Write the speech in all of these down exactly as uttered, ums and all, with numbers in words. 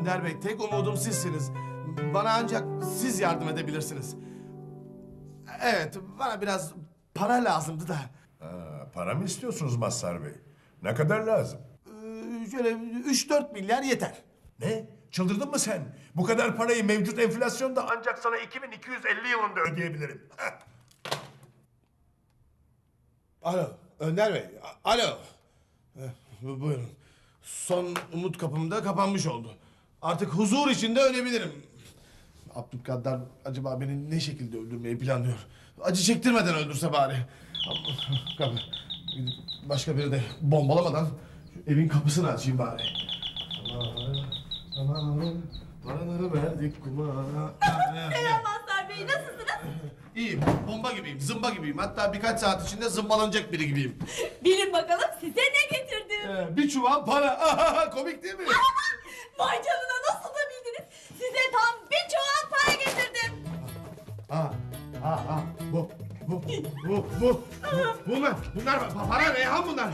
Önder Bey, tek umudum sizsiniz. Bana ancak siz yardım edebilirsiniz. Evet, bana biraz para lazımdı da. Ha, para mı istiyorsunuz Mazhar Bey? Ne kadar lazım? Ee, şöyle üç dört milyar yeter. Ne? Çıldırdın mı sen? Bu kadar parayı mevcut enflasyonda ancak sana iki bin iki yüz elli yılında ödeyebilirim. Heh. Alo, Önder Bey, a- alo. Eh, bu- buyurun. Son umut kapım da kapanmış oldu. Artık huzur içinde ölebilirim. Abdülkaddar acaba beni ne şekilde öldürmeyi planlıyor? Acı çektirmeden öldürse bari. Kapı. Gidip başka biri de bombalamadan şu evin kapısını açayım bari. Aman, aman, paraları verdik kumara. Selam Mazhar Bey, nasılsınız? İyiyim, bomba gibiyim, zımba gibiyim. Hatta birkaç saat içinde zımbalanacak biri gibiyim. Bilin bakalım size ne getirdim? Ee, bir çuval para. Komik değil mi? Vay canına, nasıl da bildiniz? Size tam bir çuval para getirdim. Ha, ha, ha. Bu, bu, bu, bu. Bunlar, bunlar para, Reyhan bunlar.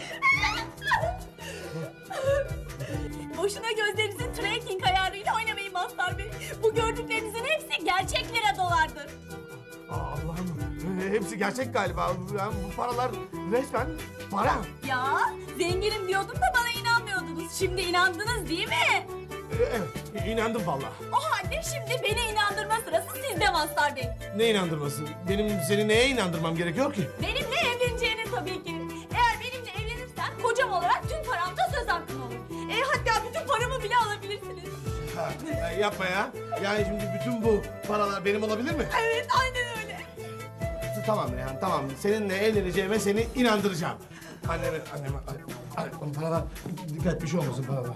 Boşuna gözlerinizin tracking ayarıyla oynamayın Mazhar Bey. Bu gördüklerinizin hepsi gerçek lira dolardır. Aa, Allah'ım, e, hepsi gerçek galiba. Yani bu paralar resmen para. Ya zenginim diyordum da bana inanmıyordunuz. Şimdi inandınız değil mi? E, evet, inandım vallahi. O halde şimdi beni inandırma sırası sizde Mazhar Bey. Ne inandırması? Benim seni neye inandırmam gerekiyor ki? Benimle evleneceğini tabii ki. Eğer benimle evlenirsen kocam olarak tüm paramda söz hakkın olur. E, hatta bütün paramı bile alabilirsiniz. Ha, e, yapma ya. Yani şimdi bütün bu paralar benim olabilir mi? Evet, aynen öyle. Tamam Reyhan, tamam. Seninle evleneceğime seni inandıracağım. Anneme, anneme, anneme, paralar, dikkat bir şey olmasın paralar.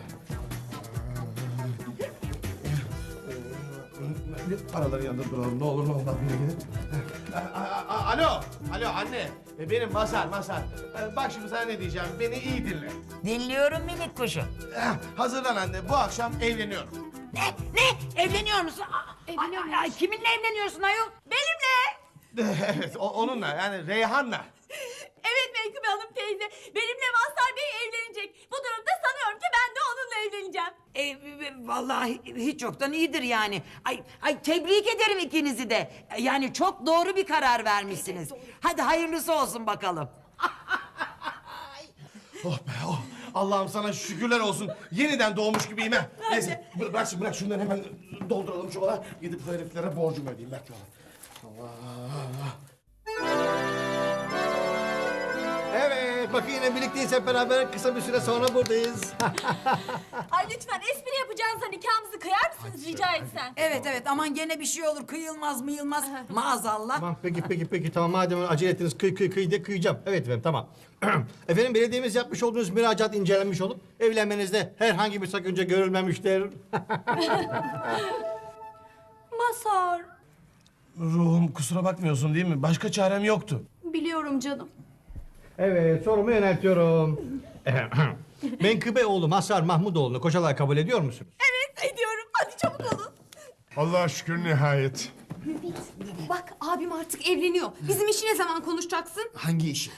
Paraları yanında duralım, ne olur ne olmaz bir gidin. Alo, alo anne. E, Benim Mazhar, Mazhar. E, Bak şimdi sana ne diyeceğim, beni iyi dinle. Dinliyorum minik kuşum. Eh, Hazırlan anne, bu akşam evleniyorum. Ne? Ne? Evleniyor musun? Aa, Evleniyor ay, ay, kiminle evleniyorsun ayol? Benimle. Evet, o- onunla yani Reyhan'la. Evet Menkıbe Hanım teyze. Benimle Mazhar Bey evlenecek. Bu durumda sanıyorum ki ben de onunla evleneceğim. E, e, vallahi hiç yoktan iyidir yani. Ay, ay tebrik ederim ikinizi de. Yani çok doğru bir karar vermişsiniz. Hadi hayırlısı olsun bakalım. Oh be oh. Allah'ım sana şükürler olsun. Yeniden doğmuş gibiyim ha. Neyse bırak, bırak şimdi bırak şunları hemen dolduralım çuvala. Gidip bu heriflere borcumu ödeyeyim. Bekle Allah. Evet, bakın yine birlikteyiz hep beraber. Kısa bir süre sonra buradayız. Ay lütfen espri yapacağınıza nikahımızı kıyar mısınız rica etsem? Evet evet aman gene bir şey olur kıyılmaz mıyılmaz maazallah. Tamam, peki, peki, peki. Tamam, madem acele ettiniz, kıy, kıy, kıy de kıyacağım. Evet efendim, tamam. Efendim, belediyemiz yapmış olduğunuz müracaat incelenmiş olup evlenmenizde herhangi bir sakınca görülmemiştir. Mazhar. Ruhum kusura bakmıyorsun değil mi? Başka çarem yoktu. Biliyorum canım. Evet, sorumu yöneltiyorum. Menkıbe oğlu Mazhar Mahmudoğlu'nu kocalar kabul ediyor musunuz? Evet ediyorum. Hadi çabuk olun. Allah'a şükür nihayet. Bak abim artık evleniyor. Bizim işi ne zaman konuşacaksın? Hangi işi?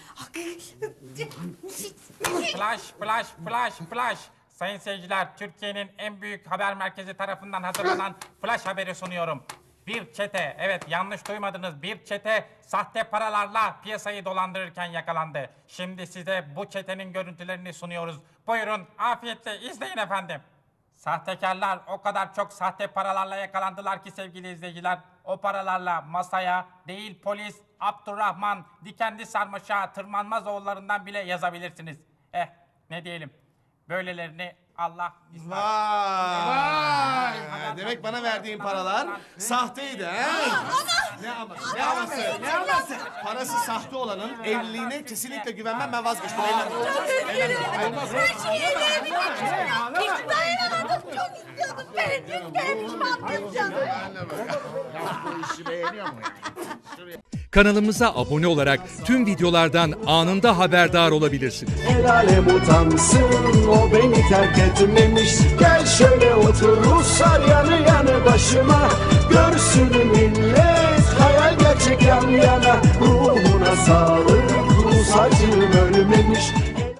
Flash, flash, flash, flash. Sayın seyirciler, Türkiye'nin en büyük haber merkezi tarafından hazırlanan flash haberi sunuyorum. Bir çete, evet yanlış duymadınız, bir çete sahte paralarla piyasayı dolandırırken yakalandı. Şimdi size bu çetenin görüntülerini sunuyoruz. Buyurun, afiyetle izleyin efendim. Sahtekarlar o kadar çok sahte paralarla yakalandılar ki sevgili izleyiciler, o paralarla masaya değil polis, Abdurrahman, Dikenli Sarmaşa, Tırmanmaz oğullarından bile yazabilirsiniz. Eh, ne diyelim, böylelerini Allah... Vay! Demek bana verdiğin paralar sahteydi ha? Ne ama? Ne aması? Ne aması? Parası sahte olanın evliliğine kesinlikle güvenmem, ben vazgeçtim. Her şeyi evlenebilmek için. Hiç dayanamadım. Çok istiyordum. Benim benim pişmanlığım canım. Kanalımıza abone olarak tüm videolardan anında haberdar olabilirsiniz. El alem utansın, o beni terk etmemiş. Gel şöyle otur Ruslar yanı yanı başıma. Görsün millet hayal gerçek yan yana. Ruhuna sağlık, Rus acım ölmemiş.